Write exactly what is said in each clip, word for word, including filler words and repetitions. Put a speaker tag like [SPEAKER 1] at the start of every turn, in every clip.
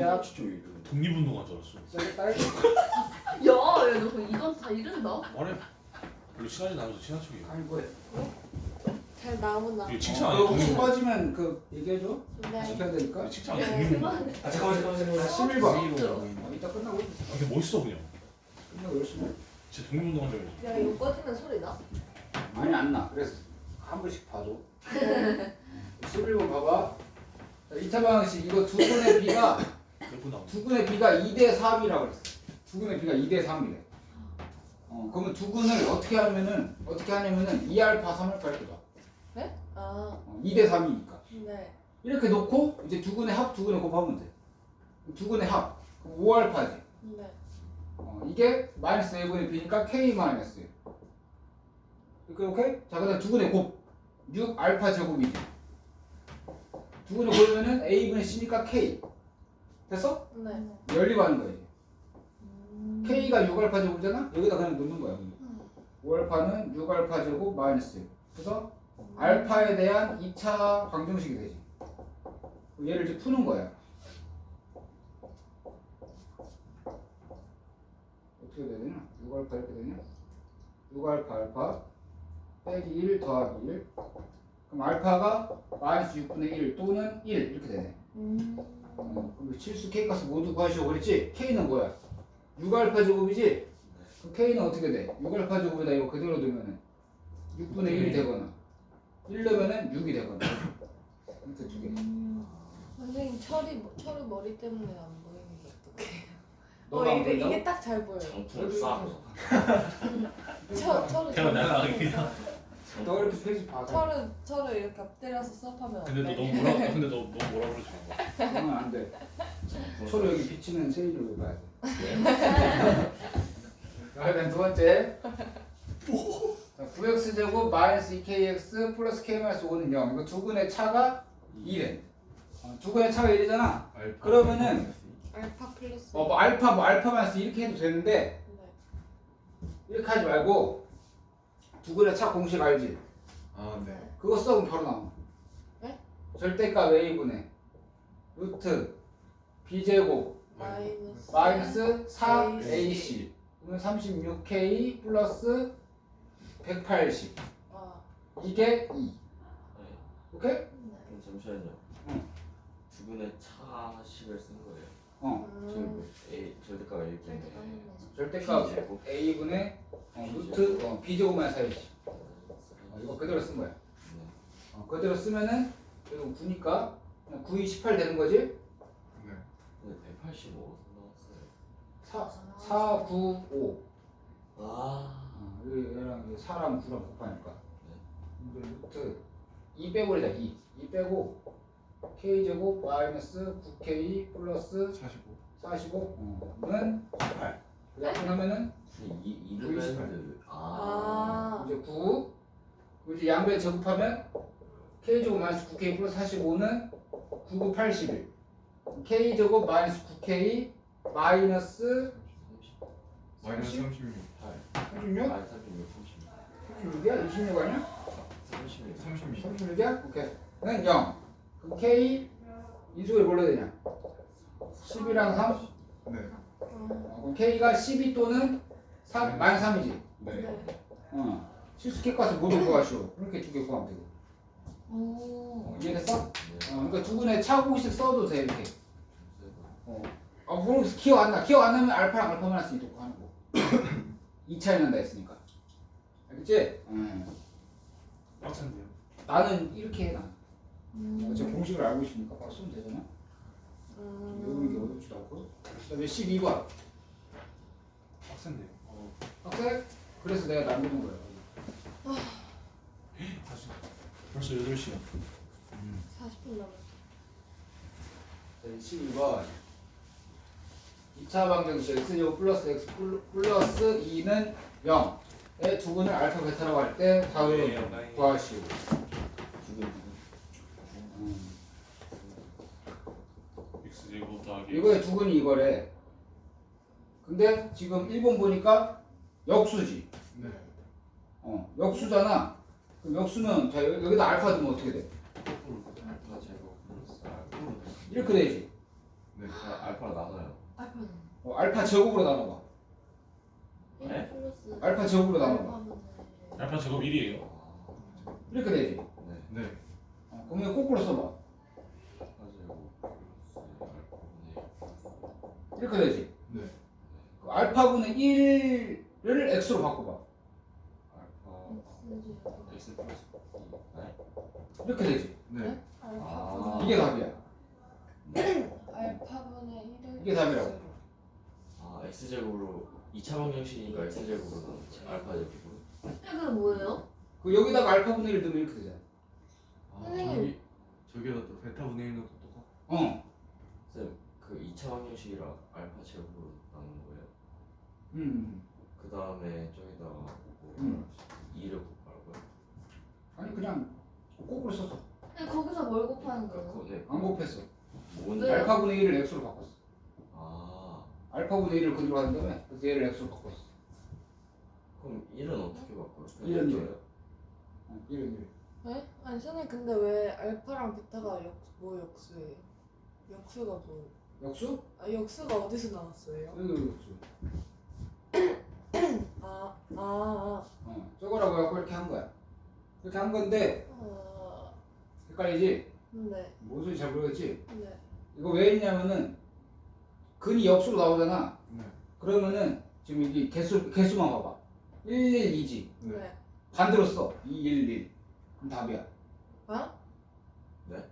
[SPEAKER 1] 시작.
[SPEAKER 2] 진짜 왜 이래?
[SPEAKER 3] 독립운동한 줄 알았어.
[SPEAKER 1] 세게 딸기.
[SPEAKER 4] 야, 야, 너 이건 다 이른다.
[SPEAKER 3] 말해. 별로 친하지 않아서 친한 척이야.
[SPEAKER 1] 아니 뭐해?
[SPEAKER 5] 잘 나오나?
[SPEAKER 3] 이거 칭찬
[SPEAKER 1] 어,
[SPEAKER 3] 아니야?
[SPEAKER 1] 혹시
[SPEAKER 3] 독립운동.
[SPEAKER 1] 빠지면 그 얘기해줘.
[SPEAKER 5] 네.
[SPEAKER 1] 지켜야 되니까.
[SPEAKER 3] 이거 칭찬 아니야?
[SPEAKER 5] 네.
[SPEAKER 3] 독립운동.
[SPEAKER 2] 아 잠깐만 잠깐만 잠깐만.
[SPEAKER 1] 십일 번.
[SPEAKER 2] 브이로그.
[SPEAKER 1] 어, 이따 끝나고 있어.
[SPEAKER 3] 아, 근데 멋있어 그냥.
[SPEAKER 1] 끝나고 열심히. 해.
[SPEAKER 3] 진짜 독립운동한 줄 알았어.
[SPEAKER 4] 야, 이거 꺼지면 소리 나?
[SPEAKER 1] 많이 안 나. 그래서 한 번씩 봐줘. 십일 번 봐봐. 자, 이 차 방식 이거 두 분의 비가
[SPEAKER 3] 몇분 나오고.
[SPEAKER 1] 두 분의 비가 이 대 삼이라고 그랬어. 두 분의 비가 이 대 삼이래. 어, 그러면 두 분을 어떻게 하면은 어떻게 하냐면은 이 알파 삼 알파 이렇게 봐.
[SPEAKER 5] 네? 아,
[SPEAKER 1] 어, 이 대 삼이니까.
[SPEAKER 5] 네.
[SPEAKER 1] 이렇게 놓고 이제 두 분의 합 두 분의 곱하면 돼. 두 분의 합. 그럼 오 알파지.
[SPEAKER 5] 네.
[SPEAKER 1] 어, 이게 마이너스 A분의 B니까 K 마이너스. 이렇게 오케이? 자, 그다음 두 분의 곱. 육 알파 제곱이지. 두 분의 곱이면은 A분의 C니까 K. 됐어?
[SPEAKER 5] 네.
[SPEAKER 1] 연립하는 거야, 이제.
[SPEAKER 5] 음.
[SPEAKER 1] K가 육 알파 제곱이잖아? 여기다 그냥 놓는 거야. 오 알파는 육 알파 제곱 마이너스. 그래서 알파에 대한 이 차 방정식이 되지. 얘를 이제 푸는 거야. 어떻게 돼야 되냐? 육 알파 이렇게 되냐? 육 알파 알파 빼기 일 더하기 일. 그럼 알파가 마이너스 육분의 일 또는 일 이렇게 되네.
[SPEAKER 5] 음.
[SPEAKER 1] 어, 그럼 실수 K 값을 모두 구하시오 그랬지? K는 뭐야? 육 알파 제곱이지? 그럼 K는 어떻게 돼? 육 알파 제곱에다 이거 그대로 두면은 육분의 일이 되거나 일 넣으면은 육이 되거나 이렇게 두 개.
[SPEAKER 5] 음. 선생님 철이 뭐- 철이 머리 때문에 안 보이는데 어떡해요? 어
[SPEAKER 1] 너가 안
[SPEAKER 5] 이게
[SPEAKER 1] 보인다고?
[SPEAKER 5] 이게 딱 잘 보여요.
[SPEAKER 2] 장풍을 쏴.
[SPEAKER 5] 철 철을
[SPEAKER 3] 태어 날아가게
[SPEAKER 5] 철을-
[SPEAKER 3] 그냥.
[SPEAKER 1] 너 이렇게 페이지 봐.
[SPEAKER 5] 철을 철을 이렇게 엎드려서 수업하면
[SPEAKER 3] 근데 너
[SPEAKER 5] 어때?
[SPEAKER 3] 너무 뭐라 근데 너 너무 뭐라 그러지 마.
[SPEAKER 1] 그러면 안 돼. 서로 여기 비치는 세일을 왜 봐야 돼? 자, 그다음 두 번째. 자, 구 엑스 제곱 마이너스 이 케이 엑스 플러스 K 마이너스 오는 영. 이거 두 분의 차가 이래. 어, 두 분의 차가 일이잖아. 그러면은
[SPEAKER 5] 알파 플러스.
[SPEAKER 1] 어, 뭐 알파 뭐 알파 마이너스 이렇게 해도 되는데
[SPEAKER 5] 네.
[SPEAKER 1] 이렇게 하지 말고 두 분의 차 공식 알지?
[SPEAKER 2] 아 네.
[SPEAKER 1] 그거 써면 바로 나와.
[SPEAKER 5] 네?
[SPEAKER 1] 절대값 A분의 루트 B제곱
[SPEAKER 5] 마이너스.
[SPEAKER 1] 마이너스 사
[SPEAKER 5] 에이씨.
[SPEAKER 1] 에이씨 그러면 삼십육 케이 플러스 백팔십
[SPEAKER 5] 아.
[SPEAKER 1] 이게 이. 오케이?
[SPEAKER 5] 네.
[SPEAKER 2] 그럼 잠시만요.
[SPEAKER 1] 응.
[SPEAKER 2] 두 분의 차식을 쓴 거예요.
[SPEAKER 1] 어
[SPEAKER 5] 음.
[SPEAKER 2] 저 A 절대값 이렇게 있네.
[SPEAKER 1] 절대값
[SPEAKER 2] B제곱.
[SPEAKER 1] A분의 어, 루트 어, B제곱 마이너스 사 에이씨 어, 이거 그대로 쓴 거야.
[SPEAKER 2] 네.
[SPEAKER 1] 어, 그대로 쓰면은 이거 구니까 그냥 구, 이, 십팔 되는 거지?
[SPEAKER 2] 근데 백팔십오 나왔어요.
[SPEAKER 1] 사, 사, 구, 오
[SPEAKER 2] 아.
[SPEAKER 1] 어, 이거 얘랑 이게 사랑 구랑 곱하니까 이거 루트 이 빼버리자 이. 이 빼고 K제곱 마이너스 구 케이 플러스
[SPEAKER 6] 사십오.
[SPEAKER 1] 사십오는 십팔 이렇게 하면은
[SPEAKER 2] 이 이
[SPEAKER 1] 구, 이십팔.
[SPEAKER 2] 이르밴드. 아.
[SPEAKER 5] 아.
[SPEAKER 1] 이제 구 이제 양배 제곱하면 K제곱 마이너스 구 케이 플러스 사십오는 구, 구, 팔십일 K제곱 마이너스 구 케이 마이너스
[SPEAKER 6] 마이너스 삼십육.
[SPEAKER 1] 삼십육?
[SPEAKER 2] 아 삼십육 삼십육.
[SPEAKER 1] 삼십육이야? 이십육 아니야?
[SPEAKER 2] 삼십육.
[SPEAKER 6] 삼십육.
[SPEAKER 1] 삼십육이야? 오케이 는 영 그럼 K 인수를 뭘로 되냐? 십이랑 삼?
[SPEAKER 6] 네.
[SPEAKER 1] 어, 그럼 K가 십이 또는 삼, 마이너스 삼이지?
[SPEAKER 6] 네.
[SPEAKER 5] 네.
[SPEAKER 1] 어. 실수 K 값을 모두 구하시오 이렇게 두 개 구하면 되고
[SPEAKER 5] 오.
[SPEAKER 1] 어, 이해됐어? 어,
[SPEAKER 2] 네.
[SPEAKER 1] 그러니까 두 분의 차 공식 써도 돼 이렇게 어. 아, 모르겠 기억 안 나. 기억 안 나면 알파랑 알파 마이너스 이렇게 하는 거. 이 차이 난다 했으니까. 알겠지? 응.
[SPEAKER 3] 빡센데요.
[SPEAKER 1] 나는 이렇게 해, 나.
[SPEAKER 5] 음.
[SPEAKER 1] 제 공식을 알고 있으니까 바로 쓰면 되잖아. 외우는 게
[SPEAKER 5] 음.
[SPEAKER 1] 어렵지도 않고. 그 다음에 십이 번.
[SPEAKER 3] 빡센데요.
[SPEAKER 1] 학생? 그래서 내가 남기는 거야.
[SPEAKER 3] 다시. 벌써 여덟 시야.
[SPEAKER 5] 사십 분 남았어.
[SPEAKER 1] 네, 십이 번. 이 차 방정식 x제곱 플러스 x 플러스 이는 영의 두 분을 알파 베타라고 할 때 다음 구하시오.
[SPEAKER 2] 두분
[SPEAKER 1] 음.
[SPEAKER 3] x 제곱 더하기.
[SPEAKER 1] 이거의 두 분이 이거래. 근데 지금 일 번 보니까 역수지.
[SPEAKER 6] 네.
[SPEAKER 1] 어, 역수잖아. 그럼 역수는 자 여- 여기다 알파 두면 어떻게 돼?
[SPEAKER 2] 알파 제곱 플러스 알파.
[SPEAKER 1] 이렇게 되지.
[SPEAKER 6] 네. 네.
[SPEAKER 2] 아, 알파로 나눠요.
[SPEAKER 4] 알파는
[SPEAKER 1] 어, 알파 제곱으로 나눠봐.
[SPEAKER 4] 일
[SPEAKER 2] 네?
[SPEAKER 4] 플러스
[SPEAKER 1] 알파 제곱으로 나눠봐.
[SPEAKER 4] 알파분의
[SPEAKER 3] 알파 제곱 일이에요.
[SPEAKER 2] 아,
[SPEAKER 1] 이렇게 되지.
[SPEAKER 2] 네.
[SPEAKER 6] 네.
[SPEAKER 1] 어, 그럼 이거 거꾸로 써봐.
[SPEAKER 2] 알파제곱 플러스 알파분의
[SPEAKER 1] 이렇게 되지.
[SPEAKER 6] 네.
[SPEAKER 1] 그 알파분의 일을 x로 바꿔봐.
[SPEAKER 2] 알파
[SPEAKER 4] X제곱
[SPEAKER 2] x 플러스 이. 네?
[SPEAKER 1] 이렇게 되지.
[SPEAKER 6] 네.
[SPEAKER 5] 알파분의
[SPEAKER 1] 이게 답이야.
[SPEAKER 5] 알파분의 일을
[SPEAKER 1] 이게 답이라고.
[SPEAKER 5] x로.
[SPEAKER 2] 아, x제곱으로 이 차 방정식이니까 x제곱으로 나누죠. 알파제곱으로.
[SPEAKER 4] 이거 뭐예요?
[SPEAKER 1] 그 여기다가 알파분의 일 넣으면 이렇게 되잖아.
[SPEAKER 6] 아,
[SPEAKER 5] 선생님.
[SPEAKER 6] 저기 저기다 또 베타분의 일 넣고 똑같.
[SPEAKER 1] 어.
[SPEAKER 2] 쌤, 그 이 차 방정식이랑 알파 제곱으로 나누는 거예요.
[SPEAKER 1] 음.
[SPEAKER 2] 그 다음에 저기다가 뭐
[SPEAKER 1] 음.
[SPEAKER 2] 이를 곱하라고요?
[SPEAKER 1] 아니 그냥 거꾸로 썼어.
[SPEAKER 4] 근데 거기서 뭘 곱하는
[SPEAKER 2] 그러니까
[SPEAKER 4] 거예요?
[SPEAKER 2] 그, 네,
[SPEAKER 1] 안 곱했어.
[SPEAKER 2] 뭔데?
[SPEAKER 4] 왜요?
[SPEAKER 1] 알파분의 일을 x로 바꿨어.
[SPEAKER 2] 아,
[SPEAKER 1] 알파분의 일을 그대로 한 다음에 그래서 얘를 x로 바꿨어.
[SPEAKER 2] 그럼 일은 어떻게 바꿔요?
[SPEAKER 1] 일은
[SPEAKER 2] 요
[SPEAKER 1] 어, 일은 일.
[SPEAKER 5] 네? 아니 선생님 근데 왜 알파랑 베타가 역, 뭐 역수예요? 역수가 뭐?
[SPEAKER 1] 역수?
[SPEAKER 5] 아 역수가 어디서 나왔어요?
[SPEAKER 1] 여기 역수.
[SPEAKER 5] 아, 아, 아.
[SPEAKER 1] 어, 저거라고 해갖고 이렇게 한 거야. 이렇게 한 건데
[SPEAKER 5] 어,
[SPEAKER 1] 헷갈리지?
[SPEAKER 5] 네,
[SPEAKER 1] 뭔 소리 잘 모르겠지?
[SPEAKER 5] 네.
[SPEAKER 1] 이거 왜 했냐면은 근이 역수로 나오잖아.
[SPEAKER 6] 네.
[SPEAKER 1] 그러면은 지금 여기 개수 개수만 봐봐. 일, 일, 이지.
[SPEAKER 6] 네.
[SPEAKER 5] 네.
[SPEAKER 1] 반대로 써. 이, 일, 일. 그럼 답이야.
[SPEAKER 5] 아?
[SPEAKER 2] 네?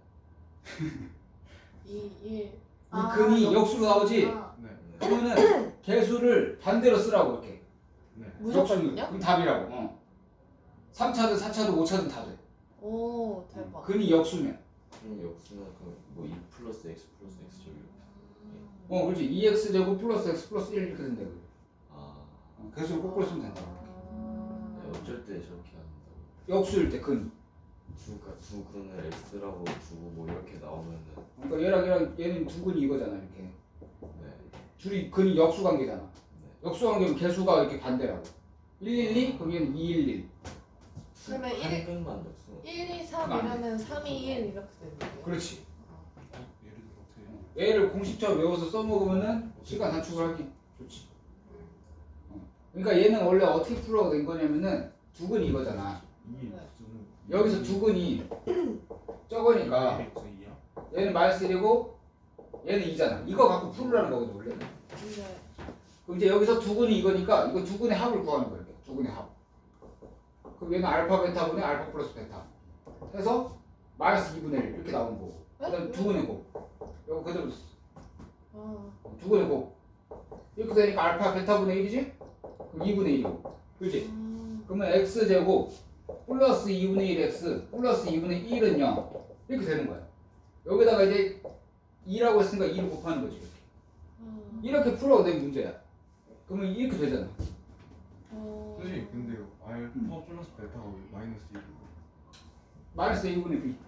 [SPEAKER 5] 이, 일.
[SPEAKER 1] 이
[SPEAKER 4] 아,
[SPEAKER 1] 근이 역수로 나오지?
[SPEAKER 4] 아,
[SPEAKER 6] 네.
[SPEAKER 2] 네.
[SPEAKER 1] 그러면은 개수를 반대로 쓰라고 이렇게.
[SPEAKER 6] 네.
[SPEAKER 1] 역수는.
[SPEAKER 5] 무조건요?
[SPEAKER 1] 그럼 답이라고. 어. 삼 차든 사 차든 오 차든 다 돼.
[SPEAKER 5] 오, 대박.
[SPEAKER 1] 근이 역수면.
[SPEAKER 2] 그럼 역수는 그뭐 이 플러스 x 플러스 x 제곱 이렇게.
[SPEAKER 1] 어, 그렇지. 이 엑스 제곱 플러스 x 플러스 일 이렇게 된다고.
[SPEAKER 2] 아,
[SPEAKER 1] 어, 개수를 거꾸로 쓰면 된다.
[SPEAKER 2] 네, 어쩔 때 저렇게 한다고.
[SPEAKER 1] 역수일 때 근.
[SPEAKER 2] 두, 가- 두 근을 x라고 두고 뭐 이렇게 나오면은
[SPEAKER 1] 그러니까 얘랑 얘랑 얘는 두 근이 이거잖아 이렇게.
[SPEAKER 2] 네,
[SPEAKER 1] 둘이 근이 역수 관계잖아.
[SPEAKER 2] 네.
[SPEAKER 1] 역수 관계면 개수가 이렇게 반대라고. 일, 일, 이 그럼 얘는 이, 일, 일.
[SPEAKER 5] 그러면
[SPEAKER 2] 한
[SPEAKER 5] 일-
[SPEAKER 2] 근만 역수.
[SPEAKER 5] 일, 이, 삼 이러면 삼, 이, 일 이렇게 되는 거예요?
[SPEAKER 1] 그렇지.
[SPEAKER 3] 어? 예를 들어 어떻게 해요?
[SPEAKER 1] 얘를 공식처럼 외워서 써먹으면은 시간 단축을 하기 좋지. 어. 그러니까 얘는 원래 어떻게 풀어가 된 거냐면은 두 근이 이거잖아.
[SPEAKER 6] 이
[SPEAKER 5] 네.
[SPEAKER 6] x는
[SPEAKER 1] 여기서 두 근이 적으니까
[SPEAKER 3] 그래서 이야?
[SPEAKER 1] 얘는 마이너스 일이고 얘는 이잖아. 이거 갖고 풀으라는 거거든 원래.
[SPEAKER 5] 네.
[SPEAKER 1] 그럼 이제 여기서 두 근이 이거니까 이거 두 근의 합을 구하는 거야. 이렇게. 두 근의 합. 그럼 얘는 알파 베타분의 알파 플러스 베타. 해서 마이너스 이분의 일 이렇게 나오는 거고. 그다음 두 근의 곱. 이거 그대로 써.
[SPEAKER 5] 아,
[SPEAKER 1] 두 근의 곱. 이렇게 되니까 알파 베타분의 일이지? 그럼 이분의 일이고. 그렇지?
[SPEAKER 5] 음,
[SPEAKER 1] 그러면 x제곱 플러스 이분의 일 x 플러스 이분의 일은 영 이렇게 되는 거야. 여기다가 이제 이라고 했으니까 이를 곱하는 거지.
[SPEAKER 5] 음.
[SPEAKER 1] 이렇게 풀어도 된 문제야. 그러면 이렇게 되잖아.
[SPEAKER 5] 어,
[SPEAKER 6] 선생님 근데요 알파 플러스 베타가 왜 마이너스 일이고
[SPEAKER 1] 마이너스 이분의 b.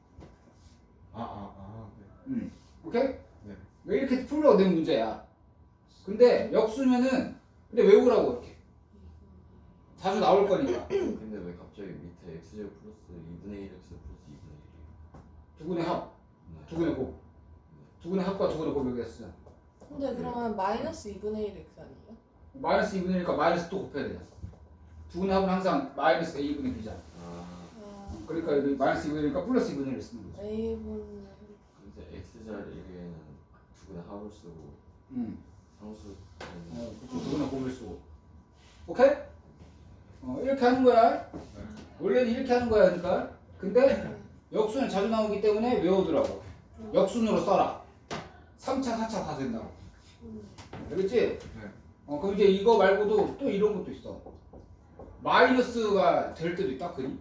[SPEAKER 6] 아아아 네.
[SPEAKER 1] 음. 오케이?
[SPEAKER 6] 네.
[SPEAKER 1] 왜 이렇게 풀어도 된 문제야. 근데 역수면은 근데 외우라고 이렇게. 자주 나올 거니까.
[SPEAKER 2] 근데 왜 갑자기 밑에 x제곱 플러스 이분의 일 x 플러스 이분의 일이에요?
[SPEAKER 1] 두 근의 합,
[SPEAKER 2] 네.
[SPEAKER 1] 두 근의 곱. 두 근의 합과 두 근의 곱 여기다 쓰잖아.
[SPEAKER 5] 근데 그러면 마이너스 이분의 일 x 아니에요?
[SPEAKER 1] 마이너스 이분의 일이니까 마이너스 또 곱해야 되잖아. 두 근의 합은 항상 마이너스 a분의 b잖아.
[SPEAKER 2] 아,
[SPEAKER 5] 아,
[SPEAKER 1] 그러니까 여기 마이너스 이분의 일이니까 플러스 이분의 일을 쓰는 거지.
[SPEAKER 5] a분의
[SPEAKER 2] 근데 x 자리에는 두 근의 합을 쓰고
[SPEAKER 1] 음.
[SPEAKER 2] 상수
[SPEAKER 1] 어, 그쵸. 두 근의 곱을 쓰고. 오케이? 어, 이렇게 하는 거야. 원래는 이렇게 하는 거야, 그러니까. 근데 역수는 자주 나오기 때문에 외워두라고. 역순으로 써라. 삼 차, 사 차 다 된다고.
[SPEAKER 5] 음.
[SPEAKER 1] 알겠지?
[SPEAKER 6] 네.
[SPEAKER 1] 어, 그럼 이제 이거 말고도 또 이런 것도 있어. 마이너스가 될 때도 있다, 그니?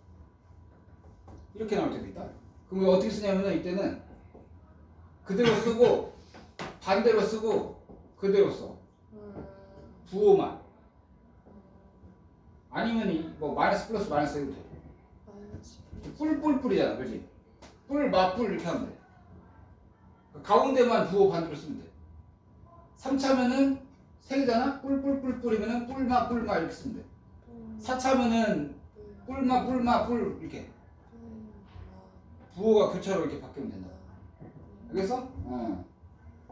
[SPEAKER 1] 이렇게 나올 때도 있다. 그럼 이거 어떻게 쓰냐면은 이때는 그대로 쓰고 반대로 쓰고 그대로 써.
[SPEAKER 5] 음,
[SPEAKER 1] 부호만. 아니면 이 뭐 마이너스 플러스 마이너스 해도 돼.
[SPEAKER 5] 마이너스
[SPEAKER 1] 뿔뿔뿔이잖아, 그렇지? 뿔, 맞뿔 이렇게 하면 돼. 가운데만 부호 반대로 쓰면 돼. 삼 차면은 세 개잖아? 뿔뿔뿔뿔이면은 뿔마 뿔마 이렇게 쓰면 돼.
[SPEAKER 5] 음,
[SPEAKER 1] 사 차면은
[SPEAKER 5] 뿔,
[SPEAKER 1] 뿔마 뿔마 뿔 이렇게
[SPEAKER 5] 뿔,
[SPEAKER 1] 부호가 교차로 이렇게 바뀌면 된다.
[SPEAKER 5] 아,
[SPEAKER 1] 알겠어? 어.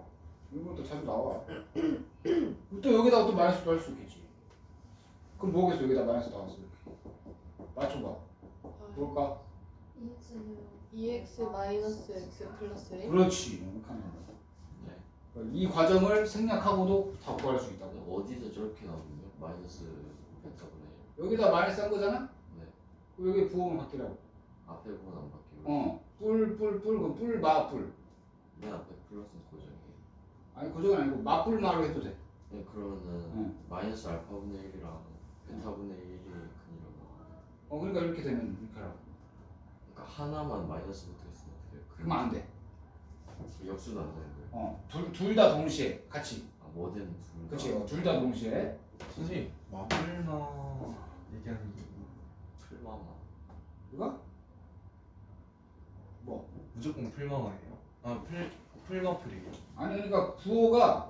[SPEAKER 1] 이런 것도 자주 나와. 또 여기다가 또 마이너스도 할 수 있겠지. 그럼 뭐겠어? 여기다 마이너스 나왔어. 맞춰봐. 뭘까?
[SPEAKER 5] 이엑스 마이너스 x 플러스 일.
[SPEAKER 1] 그렇지. 이렇게 하는 거야.
[SPEAKER 2] 네.
[SPEAKER 1] 이 과정을 생략하고도 다 구할 수 있다고.
[SPEAKER 2] 어디서 저렇게 나오는데요? 마이너스 베타분의
[SPEAKER 1] 여기다 마이너스 한 거잖아?
[SPEAKER 2] 네.
[SPEAKER 1] 그럼 여기 부호만 바뀌라고.
[SPEAKER 2] 앞에 부분 안 바뀌고
[SPEAKER 1] 어. 뿔, 뿔, 뿔, 그럼 뿔, 마, 뿔.
[SPEAKER 2] 맨 앞에 플러스는 고정이에요.
[SPEAKER 1] 아니, 고정은 아니고, 마, 뿔, 마로 해도 돼.
[SPEAKER 2] 네, 그러면은
[SPEAKER 1] 응.
[SPEAKER 2] 마이너스 알파분의 일이랑 베타분의 일이 근이라고.
[SPEAKER 1] 어, 그러니까 이렇게 되면 이렇게 하라고.
[SPEAKER 2] 그러니까 하나만 마이너스 붙어있으면 어떻게 해요?
[SPEAKER 1] 그러면 안 돼.
[SPEAKER 2] 그 역수는 안 되는 거예요?
[SPEAKER 1] 어. 둘, 둘 다 동시에. 같이.
[SPEAKER 2] 아 뭐든 둘 다.
[SPEAKER 1] 그치. 어, 둘 다 동시에.
[SPEAKER 6] 선생님 마블나 얘기하는 게
[SPEAKER 2] 풀마마.
[SPEAKER 1] 이거? 뭐?
[SPEAKER 6] 무조건 풀마마예요? 아풀 풀마풀이에요?
[SPEAKER 1] 아니, 그러니까 부호가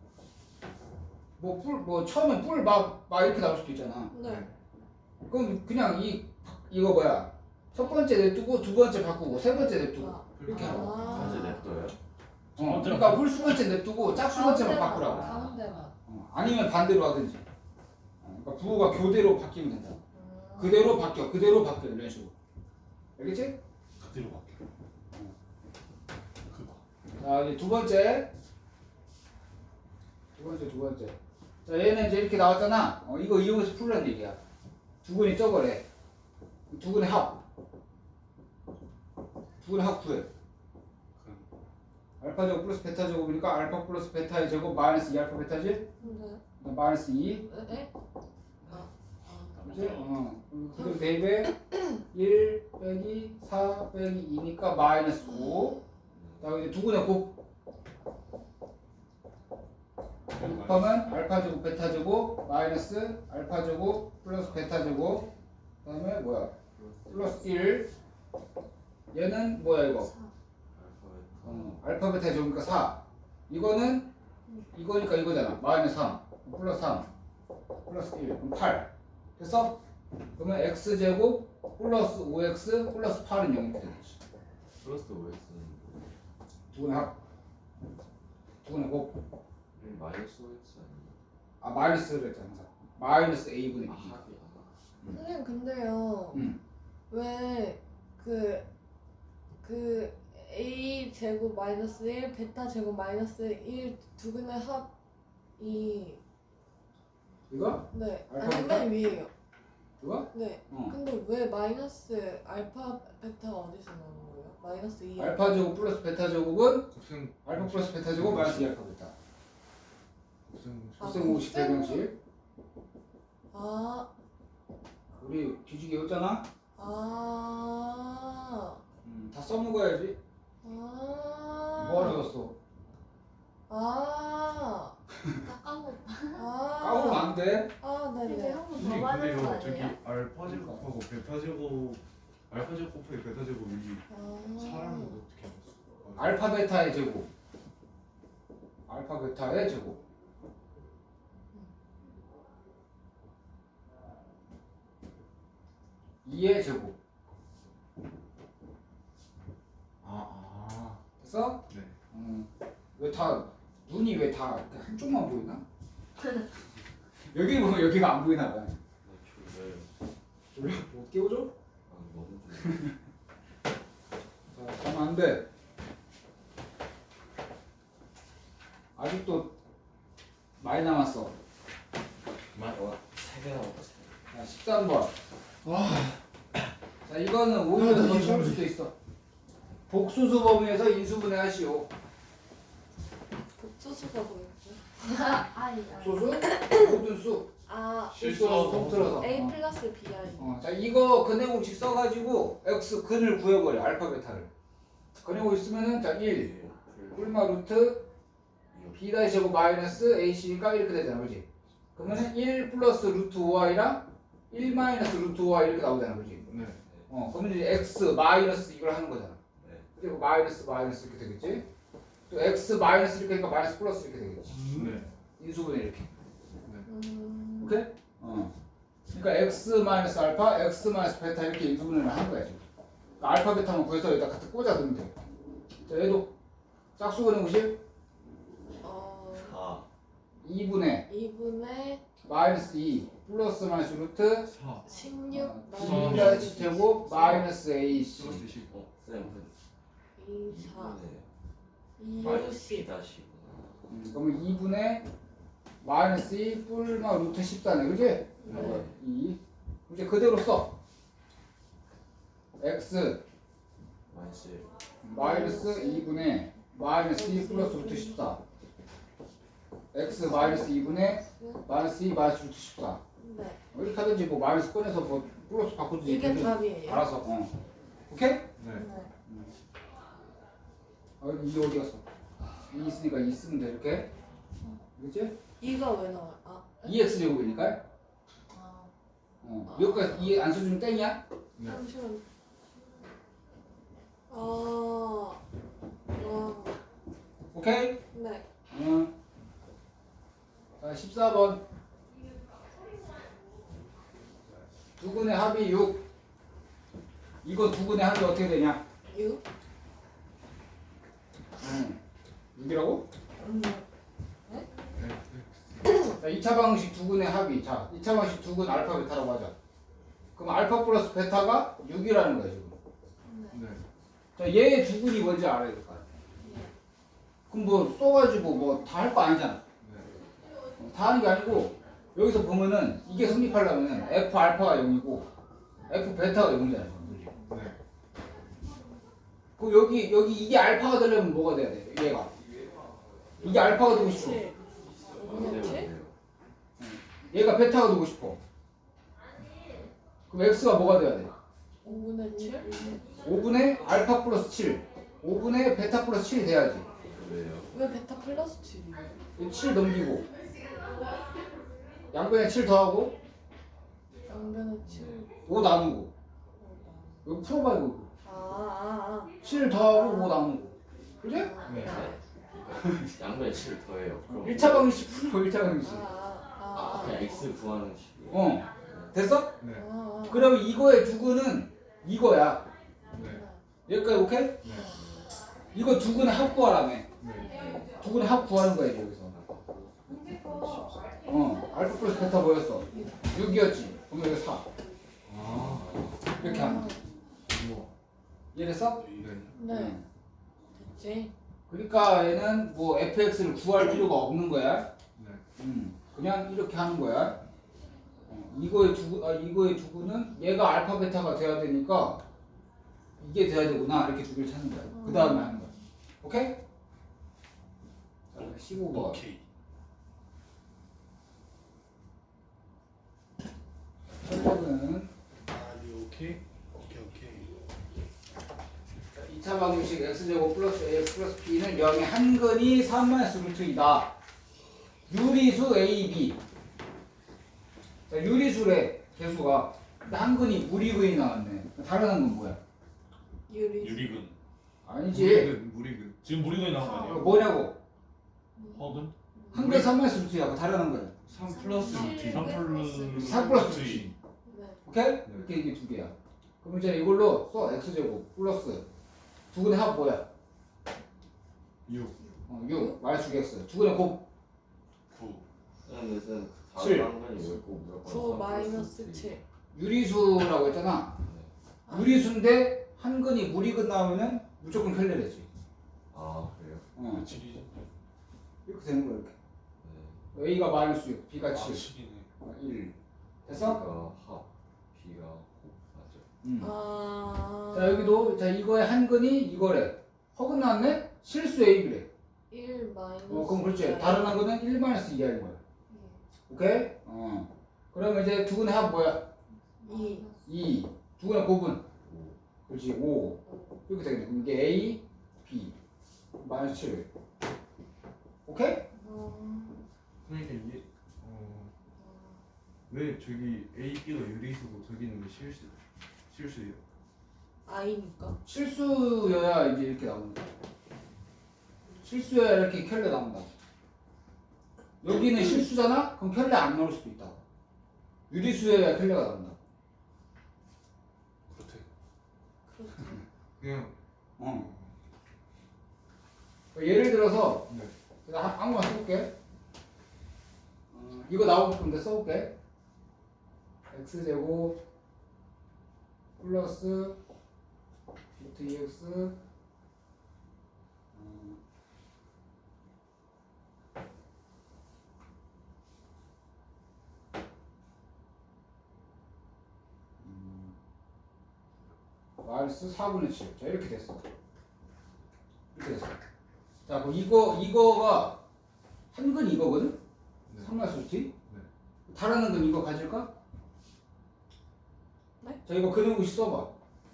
[SPEAKER 1] 뭐 뿔, 뭐 처음에 뿔, 마, 마 이렇게 나올 수도 있잖아.
[SPEAKER 5] 네.
[SPEAKER 1] 그럼 그냥 이, 이거 뭐야. 첫 번째 냅두고 두 번째 바꾸고 세 번째 냅두고.
[SPEAKER 5] 아.
[SPEAKER 1] 이렇게 하라고.
[SPEAKER 2] 현재 냅둬요?
[SPEAKER 1] 어, 그러니까 홀수 번째 냅두고 짝수 번째만
[SPEAKER 5] 가운데만,
[SPEAKER 1] 바꾸라고.
[SPEAKER 5] 가운데만.
[SPEAKER 1] 어, 아니면 반대로 하든지. 어, 그러니까 부호가 교대로 바뀌면 된다.
[SPEAKER 5] 음.
[SPEAKER 1] 그대로 바뀌어, 그대로 바뀌어 이런 식으로. 알겠지?
[SPEAKER 3] 그대로 바뀌어. 그거.
[SPEAKER 1] 자, 이제 두 번째. 두 번째, 두 번째. 자, 얘는 이제 이렇게 나왔잖아. 어, 이거 이용해서 풀라는 얘기야. 두근이 저거래. 두근의 합. 두근의 합 구해. 알파 제곱 플러스 베타 제곱이니까 알파 플러스 베타의 제곱 마이너스 이 알파 베타지?
[SPEAKER 5] 네.
[SPEAKER 1] 그다음 마이너스 이.
[SPEAKER 5] 에? 아. 아.
[SPEAKER 1] 그지? 어. 그리고 대입에 일 빼기 사 빼기 이니까 마이너스 오. 그다음에 이제 두근의 곱. 곱하면 알파 제곱 베타 제곱 마이너스 알파 제곱 플러스 베타 제곱 그다음에 뭐야 플러스 일 얘는 뭐야 이거
[SPEAKER 2] 알파벳.
[SPEAKER 1] 어, 알파 베타 제곱이니까 사 이거는 이거니까 이거잖아 마이너스 삼 플러스 삼 플러스 일 그럼 팔 됐어? 그러면 x 제곱 플러스 오 엑스 플러스 팔은 영이 되겠지
[SPEAKER 2] 플러스 오엑스는
[SPEAKER 1] 두근의 합 두근의 곱
[SPEAKER 2] 마이너스 오엑스 아니에요?
[SPEAKER 1] 아 마이너스를 했잖아 항상 마이너스 a분의
[SPEAKER 2] 아
[SPEAKER 1] b
[SPEAKER 2] 합이 아
[SPEAKER 5] 선생님 근데요.
[SPEAKER 1] 음.
[SPEAKER 5] 왜 그 그 a 제곱 마이너스 일 베타 제곱 마이너스 일 두근의 합이
[SPEAKER 1] 이거?
[SPEAKER 5] 네.
[SPEAKER 1] 알파,
[SPEAKER 5] 아니
[SPEAKER 1] 베타?
[SPEAKER 5] 맨 위에요.
[SPEAKER 1] 이거?
[SPEAKER 5] 네.
[SPEAKER 1] 어.
[SPEAKER 5] 근데 왜 마이너스 알파 베타가 어디서 나오는 거예요? 마이너스 이.
[SPEAKER 1] 알파 제곱 플러스 베타 제곱은
[SPEAKER 6] 곱셈
[SPEAKER 1] 알파 플러스 베타 제곱 마이너스 이 알파 베타
[SPEAKER 6] 곱셈
[SPEAKER 5] 아,
[SPEAKER 1] 곱셈 오십
[SPEAKER 5] 곱셈.
[SPEAKER 1] 배경식
[SPEAKER 5] 아.
[SPEAKER 1] 우리 뒤지게 했잖아?
[SPEAKER 5] 아.
[SPEAKER 1] 음, 다 써먹어야지
[SPEAKER 5] 아.
[SPEAKER 1] 뭐 어려웠어
[SPEAKER 5] 아.
[SPEAKER 4] 다 까먹.
[SPEAKER 5] 아.
[SPEAKER 1] 까먹으면 안돼
[SPEAKER 5] 아,
[SPEAKER 4] 이제
[SPEAKER 5] 네네.
[SPEAKER 4] 한 번 더
[SPEAKER 6] 선생님
[SPEAKER 4] 받는 거
[SPEAKER 6] 근데요 저기
[SPEAKER 4] 아니에요?
[SPEAKER 6] 알파 제곱하고 베타 제곱 알파 제곱 곱하기 베타 제곱이
[SPEAKER 5] 아.
[SPEAKER 6] 사람은 어떻게 알았어?
[SPEAKER 1] 알파 베타의 제곱 알파 베타의 제곱 이의 제곱
[SPEAKER 6] 아,
[SPEAKER 1] 됐어?
[SPEAKER 6] 아, 네.
[SPEAKER 1] 음, 왜 다 눈이 왜 다 한쪽만 보이나? 여기 보면 여기가 안 보이나 봐
[SPEAKER 2] 네, 졸려요.
[SPEAKER 1] 졸려? 뭐 깨워줘?
[SPEAKER 2] 아 너무 졸려.
[SPEAKER 1] 자, 가면 안 돼. 아직도 많이 남았어.
[SPEAKER 2] 어, 세개 나왔다 세 개.
[SPEAKER 1] 자, 십삼 번. 와. 자, 이거는 오히려 더 쉬울 수도 있어. 복수수 범위에서 인수분해 하시오.
[SPEAKER 5] 복수수가 뭐였죠?
[SPEAKER 4] 아니 아니.
[SPEAKER 1] 복수수? 모든 수.
[SPEAKER 5] 아.
[SPEAKER 1] 실수로 통틀어서.
[SPEAKER 5] a
[SPEAKER 1] 어.
[SPEAKER 5] 플러스 bi.
[SPEAKER 1] 어, 자, 이거 근해공식 써가지고 x 근을 구해버려. 알파 베타를. 근해공식 쓰면은 자, 일. 꿀마 루트 b다이 제곱 마이너스 ac니까 이렇게 되잖아, 그지? 그러면은 일 플러스 루트 오아이랑 일 마이너스 루트 오아이 이렇게 나오잖아, 그지?
[SPEAKER 6] 네.
[SPEAKER 1] 어, 그러면 이제 x 마이너스 이걸 하는 거잖아.
[SPEAKER 2] 네.
[SPEAKER 1] 그리고 마이너스 마이너스 이렇게 되겠지? 또 x 마이너스 이렇게 하니까 마이너스 플러스 이렇게 되겠지?
[SPEAKER 6] 네.
[SPEAKER 1] 인수분해 이렇게.
[SPEAKER 5] 음.
[SPEAKER 1] 오케이? 어. 그러니까 x 마이너스 알파, x 마이너스 베타 이렇게 인수분해를 하는 거야 지금. 그러니까 알파 베타만 구해서 여기다 갖다 꽂아두면 돼. 자, 얘도 짝수 근해공식
[SPEAKER 5] 어.
[SPEAKER 1] 이분의
[SPEAKER 5] 이분의
[SPEAKER 1] 마이너스 이 플러스 마이너스 루트
[SPEAKER 6] 사
[SPEAKER 5] 십육
[SPEAKER 1] 어, B다시 제곱 마이너스 에이씨.
[SPEAKER 6] 플러스 십.
[SPEAKER 2] 어, 쌤, 그
[SPEAKER 5] 이사
[SPEAKER 2] 이분의 마이너스
[SPEAKER 5] 이십
[SPEAKER 2] B 다시구나.
[SPEAKER 1] 음, 그러면 이분의 마이너스 이 뿔마 루트 십사네, 그지?
[SPEAKER 5] 네.
[SPEAKER 1] 이. 이제 그대로 써. x
[SPEAKER 2] 마이너스 일.
[SPEAKER 1] 마이너스 이분의 마이너스 이 플러스 루트 십사. x 마이너스 이분의 마이너스 이 마이너스 루트 십사.
[SPEAKER 5] 네.
[SPEAKER 1] 이렇게 하든지 뭐 마이너스 꺼내서 뭐 플러스 바꾸든지
[SPEAKER 5] 이게
[SPEAKER 1] 되든
[SPEAKER 5] 답이에요.
[SPEAKER 1] 알아서. 어. 오케이?
[SPEAKER 6] 네.
[SPEAKER 5] 네.
[SPEAKER 1] 아, 이 어디 갔어? 이 있으니까 이 쓰면 돼, 이렇게. 그치?
[SPEAKER 5] 이가 왜 나와요? 아,
[SPEAKER 1] 이 엑스 제곱이니까.
[SPEAKER 5] 아
[SPEAKER 1] 어. 여기까지 이 안 써주면 땡이야?
[SPEAKER 6] 네.
[SPEAKER 5] 잠시만. 아, 와,
[SPEAKER 1] 오케이?
[SPEAKER 5] 네.
[SPEAKER 1] 어. 자, 십사 번. 두근의 합이 육. 이거 두근의 합이 어떻게 되냐?
[SPEAKER 5] 육.
[SPEAKER 1] 응. 육이라고?
[SPEAKER 5] 음.
[SPEAKER 6] 네.
[SPEAKER 1] 자, 이 차 방식 두근의 합이. 자, 이 차 방식 두근 알파 베타라고 하자. 그럼 알파 플러스 베타가 육이라는 거야, 지금.
[SPEAKER 6] 네.
[SPEAKER 1] 자, 얘의 두근이 뭔지 알아야 될 거 아니야. 그럼 뭐 써가지고 뭐 다 할 거 아니잖아.
[SPEAKER 6] 네.
[SPEAKER 1] 어, 다 하는 게 아니고 여기서 보면은 이게 성립하려면 F 알파가 영이고 F 베타가 영이잖아. 지금.
[SPEAKER 6] 네.
[SPEAKER 1] 그럼 여기 여기 이게 알파가 되려면 뭐가 돼야 돼? 얘가 이게 알파가 되고 싶어.
[SPEAKER 5] 칠. 오분의 칠?
[SPEAKER 1] 얘가 베타가 되고 싶어. 그럼 X가 뭐가 돼야 돼?
[SPEAKER 5] 오분의 칠?
[SPEAKER 1] 오분의 알파 플러스 칠, 오분의 베타 플러스 칠이 돼야지.
[SPEAKER 2] 왜요?
[SPEAKER 5] 왜 베타 플러스 칠이에요?
[SPEAKER 1] 칠 넘기고 양변에 칠 더하고
[SPEAKER 5] 양변의 칠.
[SPEAKER 1] 오 나누고 여기 풀어봐 이거.
[SPEAKER 5] 아, 아,
[SPEAKER 1] 칠 더하고 오 나누고. 그지?
[SPEAKER 5] 아.
[SPEAKER 6] 네.
[SPEAKER 2] 양변에 칠 더해요. 그럼
[SPEAKER 1] 일 차 방식 풀어. 일 차 방식.
[SPEAKER 5] 아,
[SPEAKER 2] 아,
[SPEAKER 5] 아, 아.
[SPEAKER 2] 그냥 x 구하는 식이에요.
[SPEAKER 1] 어. 됐어?
[SPEAKER 6] 네.
[SPEAKER 5] 아, 아.
[SPEAKER 1] 그러면 이거의 두근은 이거야.
[SPEAKER 6] 네.
[SPEAKER 1] 여기까지 오케이?
[SPEAKER 6] 네.
[SPEAKER 1] 이거 두근의 합 구하라며.
[SPEAKER 6] 네.
[SPEAKER 1] 두근의 합 구하는 거야 여기서. 어. 알파 플러스 베타 뭐였어? 육이었지. 그럼 여기 사.
[SPEAKER 6] 아.
[SPEAKER 1] 이렇게 하면.
[SPEAKER 6] 우와.
[SPEAKER 1] 이해됐어?
[SPEAKER 6] 네.
[SPEAKER 5] 네.
[SPEAKER 1] 응.
[SPEAKER 5] 됐지.
[SPEAKER 1] 그러니까 얘는 뭐 에프엑스를 구할 필요가 없는 거야.
[SPEAKER 6] 네.
[SPEAKER 1] 음, 그냥 이렇게 하는 거야. 어, 이거의 두구, 아, 이거의 두구는 얘가 알파 베타가 돼야 되니까 이게 돼야 되구나 이렇게 두 개를 찾는 거야. 그 다음에 하는 거야. 오케이? 자, 십오 번.
[SPEAKER 3] 오케이.
[SPEAKER 1] 첫 번은
[SPEAKER 3] 아리 오케이. 오케이 오케이.
[SPEAKER 1] 이 차 방정식 x제곱 플러스 ax 플러스 b는 영의 한근이 삼 마이너스 루트 이다. 유리수 a, b. 자, 유리수래 개수가. 근데 한근이 무리근이 나왔네. 다른 한근 뭐야?
[SPEAKER 5] 유리.
[SPEAKER 3] 유리근.
[SPEAKER 1] 아니지.
[SPEAKER 6] 무리근. 무리근.
[SPEAKER 3] 지금 무리근이 나온 거
[SPEAKER 1] 어,
[SPEAKER 3] 아니에요?
[SPEAKER 1] 뭐냐고?
[SPEAKER 3] 허근?
[SPEAKER 1] 한근 삼 마이너스 루트야. 그 다른 한근.
[SPEAKER 6] 삼 플러스 루트.
[SPEAKER 3] 삼 플러스
[SPEAKER 1] 삼 플러스
[SPEAKER 3] 루트.
[SPEAKER 5] 네.
[SPEAKER 1] 오케이? 이렇게 이게 두 개야. 그럼 이제 이걸로 써. x제곱 플러스 두근의 합 뭐야?
[SPEAKER 6] 육.
[SPEAKER 1] 어, 육 마이너스 육 x. 두근의 곱
[SPEAKER 3] 구.
[SPEAKER 2] 근데 쌤
[SPEAKER 1] 칠.
[SPEAKER 2] 다른 한건이 왜꼭 무조건
[SPEAKER 5] 구
[SPEAKER 2] 삼
[SPEAKER 5] 마이너스
[SPEAKER 2] 플러스
[SPEAKER 5] 칠.
[SPEAKER 1] 유리수라고 했잖아.
[SPEAKER 5] 아.
[SPEAKER 1] 유리수인데 한근이 무리근 나오면 무조건 켈레르지.
[SPEAKER 2] 아 그래요?
[SPEAKER 1] 어,
[SPEAKER 3] 칠이지.
[SPEAKER 1] 이렇게 되는 거야 이렇게.
[SPEAKER 2] 네.
[SPEAKER 1] a가 마이너스 육, b가
[SPEAKER 3] 아
[SPEAKER 1] 칠,
[SPEAKER 3] 칠이네.
[SPEAKER 1] 어, 일. 됐어?
[SPEAKER 2] B가 합, B가 곱 맞죠?
[SPEAKER 1] 음.
[SPEAKER 5] 아.
[SPEAKER 1] 자 여기도 자 이거의 한근이 이거래. 허근 나왔네? 실수 a래.
[SPEAKER 5] 일 마이너스.
[SPEAKER 1] 어 그럼 그렇지. 다른 한근은 일 마이너스 이하인 거야. 오케이? 어. 그러면 이제 두근의 합 뭐야?
[SPEAKER 5] 이.
[SPEAKER 1] 이. 두근의 곱은?
[SPEAKER 2] 오.
[SPEAKER 1] 그렇지. 오. 이렇게 되겠네. 그럼 이게 a, b. 마이너스 칠. 오케이?
[SPEAKER 5] 어.
[SPEAKER 6] 그러니까 이게 어. 왜 저기 A, B가 유리수고 저기는 왜 실수? 실수예요?
[SPEAKER 5] 아이니까.
[SPEAKER 1] 실수여야 이제 이렇게 나온다. 실수여야 이렇게 켤레 나온다. 여기는 실수잖아? 그럼 켤레 안 나올 수도 있다. 유리수여야 켤레가 나온다.
[SPEAKER 3] 그렇대.
[SPEAKER 5] 그렇죠.
[SPEAKER 6] 그냥
[SPEAKER 1] 어. 예를 들어서
[SPEAKER 6] 네.
[SPEAKER 1] 내가 한- 아무거나 써볼게. 이거 나올 건데 써볼게. x제곱 플러스 루트 이엑스 음, 음, 마이너스 사분의 칠. 자 이렇게 됐어. 이렇게 됐어. 자 그럼 이거 이거가 한근 이거거든.
[SPEAKER 6] 네.
[SPEAKER 1] 삼 마이너스 루트.
[SPEAKER 6] 네.
[SPEAKER 1] 다른 건 이거 가질까?
[SPEAKER 5] 네?
[SPEAKER 1] 자 이거 그놈이 써봐.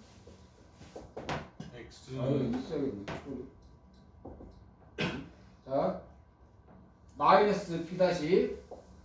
[SPEAKER 3] X
[SPEAKER 1] 아 이거 있어야겠네. 자 마이너스 b 다시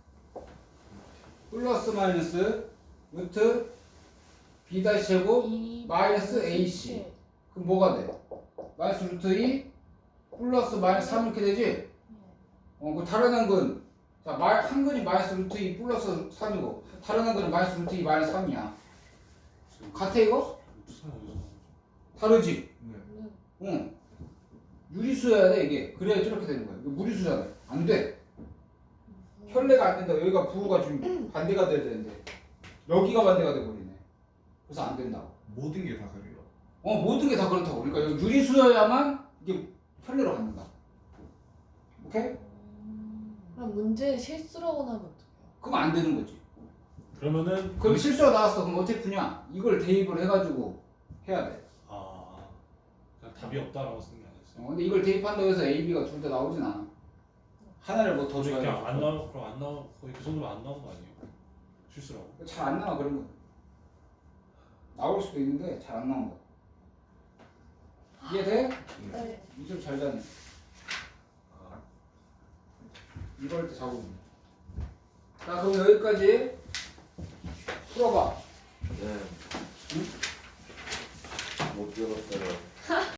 [SPEAKER 1] 플러스 마이너스 루트 b 다시 제곱
[SPEAKER 5] 이
[SPEAKER 1] 마이너스 ac.
[SPEAKER 5] 칠.
[SPEAKER 1] 그럼 뭐가 돼? 마이너스 루트 이 플러스 마이너스 삼 이렇게 되지?
[SPEAKER 5] 네.
[SPEAKER 1] 어, 그 다른 한근 자 마, 한근이 마이너스 루트 이 플러스 삼이고 다른 한근은 마이너스 루트 이 마이너스 삼이야. 같아 이거?
[SPEAKER 3] 루트 삼 어디서 나오죠?
[SPEAKER 1] 다르지?
[SPEAKER 6] 네.
[SPEAKER 5] 네.
[SPEAKER 1] 응. 유리수여야 돼 이게. 그래야 저렇게 되는 거야. 이거 무리수잖아. 안 돼. 혈례가 안 된다. 여기가 부호가 지금 반대가 돼야 되는데 여기가 반대가 돼 버리네. 그래서 안 된다고.
[SPEAKER 6] 모든 게 다 그래요.
[SPEAKER 1] 어 모든 게 다 그렇다고. 그러니까 여기 유리수여야만 이게 혈례로 갖는다. 오케이?
[SPEAKER 5] 음, 그럼 문제 실수라고 나면 어떡해요?
[SPEAKER 1] 그럼 안 되는 거지.
[SPEAKER 3] 그러면은
[SPEAKER 1] 그럼 실수가 나왔어. 그럼 어떻게 푸냐? 이걸 대입을 해가지고 해야 돼.
[SPEAKER 3] 아 그냥 답이 없다라고 쓰는 게 아니었어요.
[SPEAKER 1] 어, 근데 이걸 대입한다고 해서 A, B가 둘 다 나오진 않아. 하나를 뭐 더
[SPEAKER 3] 그냥
[SPEAKER 1] 줘야
[SPEAKER 3] 안 나오 그럼 안 나오 거의 그 정도면 안 나온 거 아니에요? 실수라고.
[SPEAKER 1] 잘 안 나와 그런 거. 나올 수도 있는데 잘 안 나온 거. 이해돼?
[SPEAKER 5] 네.
[SPEAKER 1] 이점 잘 자네.
[SPEAKER 6] 아,
[SPEAKER 1] 이럴 때 작업. 자 그럼 여기까지 풀어봐.
[SPEAKER 2] 네. 못 들었어요.